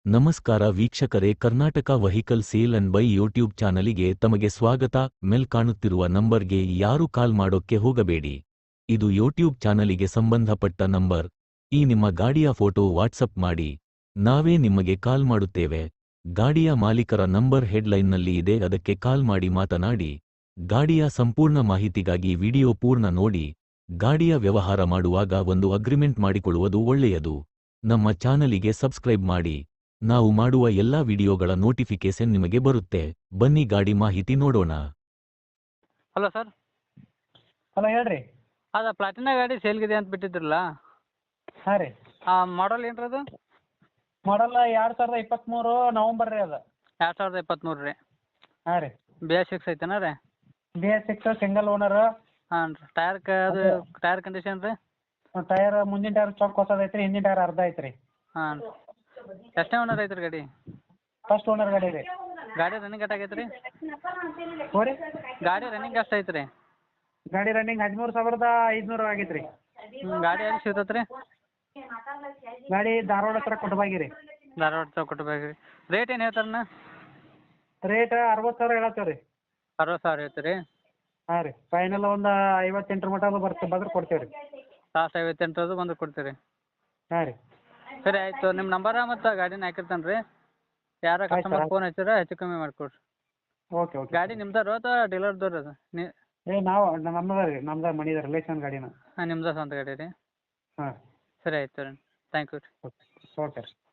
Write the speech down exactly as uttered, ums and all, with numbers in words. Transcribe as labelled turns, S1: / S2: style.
S1: ನಮಸ್ಕಾರ ವೀಕ್ಷಕರೇ, Karnataka vehicle sale and buy YouTube ಚಾನಲಿಗೆ ತಮಗೆ ಸ್ವಾಗತ. ಮೇಲ್ ಕಾಣುತ್ತಿರುವ ನಂಬರ್ಗೆ ಯಾರು ಕಾಲ್ ಮಾಡೋಕ್ಕೆ ಹೋಗಬೇಡಿ. ಇದು ಯೂಟ್ಯೂಬ್ ಚಾನಲಿಗೆ ಸಂಬಂಧಪಟ್ಟ ನಂಬರ್. ಈ ನಿಮ್ಮ ಗಾಡಿಯ ಫೋಟೋ ವಾಟ್ಸಪ್ ಮಾಡಿ, ನಾವೇ ನಿಮಗೆ ಕಾಲ್ ಮಾಡುತ್ತೇವೆ. ಗಾಡಿಯ ಮಾಲೀಕರ ನಂಬರ್ ಹೆಡ್ಲೈನ್ನಲ್ಲಿ ಇದೆ, ಅದಕ್ಕೆ ಕಾಲ್ ಮಾಡಿ ಮಾತನಾಡಿ. ಗಾಡಿಯ ಸಂಪೂರ್ಣ ಮಾಹಿತಿಗಾಗಿ ವಿಡಿಯೋ ಪೂರ್ಣ ನೋಡಿ. ಗಾಡಿಯ ವ್ಯವಹಾರ ಮಾಡುವಾಗ ಒಂದು ಅಗ್ರಿಮೆಂಟ್ ಮಾಡಿಕೊಳ್ಳುವುದು ಒಳ್ಳೆಯದು. ನಮ್ಮ ಚಾನಲಿಗೆ ಸಬ್ಸ್ಕ್ರೈಬ್ ಮಾಡಿ, ನಾವು ಮಾಡುವ ಎಲ್ಲಾ ವಿಡಿಯೋಗಳ ನೋಟಿಫಿಕೇಶನ್ ನಿಮಗೆ ಬರುತ್ತೆ. ಬನ್ನಿ ಗಾಡಿ ಮಾಹಿತಿ ನೋಡೋಣ.
S2: Hello sir.
S3: ಹಲೋ ಹೇಳ್ರಿ.
S2: ಅದ ಪ್ಲಾಟಿನಾ ಗಾಡಿ ಸೇಲ್ಗಿದೆ ಅಂತ ಬಿಟ್ಟಿದ್ರಲ್ಲ,
S3: ಹಾಂ ರೀ.
S2: ಮಾಡಲ್ ಏನ್ರಿ ಅದು?
S3: ಮಾಡಲ್ಲ ಎರಡು ಸಾವಿರದ ಇಪ್ಪತ್ತ್ಮೂರು ನವಂಬರ್ ರೀ ಅದು.
S2: ಎರಡು ಸಾವಿರದ ಇಪ್ಪತ್ತ್ಮೂರು ರೀ.
S3: ಹಾಂ ರೀ.
S2: ಬಿ ಎಸ್ ಸಿಕ್ಸ್ ಐತೆನಾ ರೀ?
S3: B S six single owner.
S2: ಹಾಂ ರೀ. ಟೈರ್ ಕ ಅದು ಟೈರ್ ಕಂಡೀಷನ್ ರೀ?
S3: ಟೈರ್ ಮುಂದಿನ ಟೈರ್ ಚೊಕ್ ಹೊಸದು ಐತ್ರಿ, ಹಿಂದಿನ ಟೈರ್ ಅರ್ಧ ಐತ್ರಿ.
S2: ಹಾಂ ರೀ. ಎಷ್ಟನೇ ಓನರ್ ಐತ್ರಿ ಗಾಡಿ?
S3: ಫಸ್ಟ್ ಓನರ್ ಗಾಡಿ ರೀ.
S2: ಗಾಡಿ ರನ್ನಿಂಗ್ ಎಷ್ಟು ಆಗೈತೆ ರೀ?
S3: ಹೋ ರೀ.
S2: ಗಾಡಿ ರನ್ನಿಂಗ್ ಎಷ್ಟು ಐತೆ ರೀ?
S3: ಗಾಡಿ ರನ್ನಿಂಗ್ ಹದಿಮೂರು ಸಾವಿರದ ಐದುನೂರು ಆಗೈತೆ ರೀ.
S2: ಹ್ಞೂ. ಗಾಡಿ ಎಲ್ಲಿ ಸಿಗ್ತೈತೆ ರೀ?
S3: ಗಾಡಿ ಧಾರವಾಡ ಹತ್ರ ಕೊಟ್ಟಬಾಗಿ ರೀ.
S2: ಧಾರವಾಡ ಚೌಕಟ್ಟು ಬ್ಯಾಗ್ ರೀ. ರೇಟ್ ಏನು ಹೇಳ್ತಾರಣ್ಣ?
S3: ರೇಟ್ ಅರವತ್ತು ಸಾವಿರ ಹೇಳತ್ತೇವೆ ರೀ.
S2: ಅರವತ್ತು ಸಾವಿರ ಐತೆ ರೀ?
S3: ಹಾಂ ರೀ. ಫೈನಲ್ ಒಂದು ಐವತ್ತೆಂಟರ ಮಟ್ಟ ಬರ್ತೀವಿ, ಬಂದ್ರೆ ಕೊಡ್ತೇವೆ ರೀ.
S2: ಲಾಸ್ಟ್ ಐವತ್ತೆಂಟರದು ಬಂದು ಕೊಡ್ತೀರಿ?
S3: ಹಾಂ ರೀ.
S2: ಸರಿ ಆಯಿತು. ನಿಮ್ಮ ನಂಬರ ಮತ್ತು ಗಾಡಿನ ಹಾಕಿರ್ತಾನೆ ರೀ. ಯಾರ ಕಸ್ಟಮರ್ ಫೋನ್ ಹಚ್ಚಿರ ಹೆಚ್ಚು ಕಮ್ಮಿ ಮಾಡಿಕೊಡ್ರಿ.
S3: Okay okay.
S2: ಗಾಡಿ ನಿಮ್ದಾರು ಅಥವಾ ಡೀಲರ್ದವ್ರು ಅದು? ನೀ
S3: ಏ ನಾವು ನಮ್ಮದ ರೀ, ನಮ್ದು ಮನಿದ ರಿಲೇಷನ್ ಗಾಡಿನ.
S2: ಹಾಂ, ನಿಮ್ದು ಸ್ವಂತ ಗಾಡಿ ರೀ?
S3: ಹಾಂ.
S2: ಸರಿ ಆಯ್ತು ರೀ. ಥ್ಯಾಂಕ್ ಯು ರೀ.
S3: ಓಕೆ ಓಕೆ ರೀ.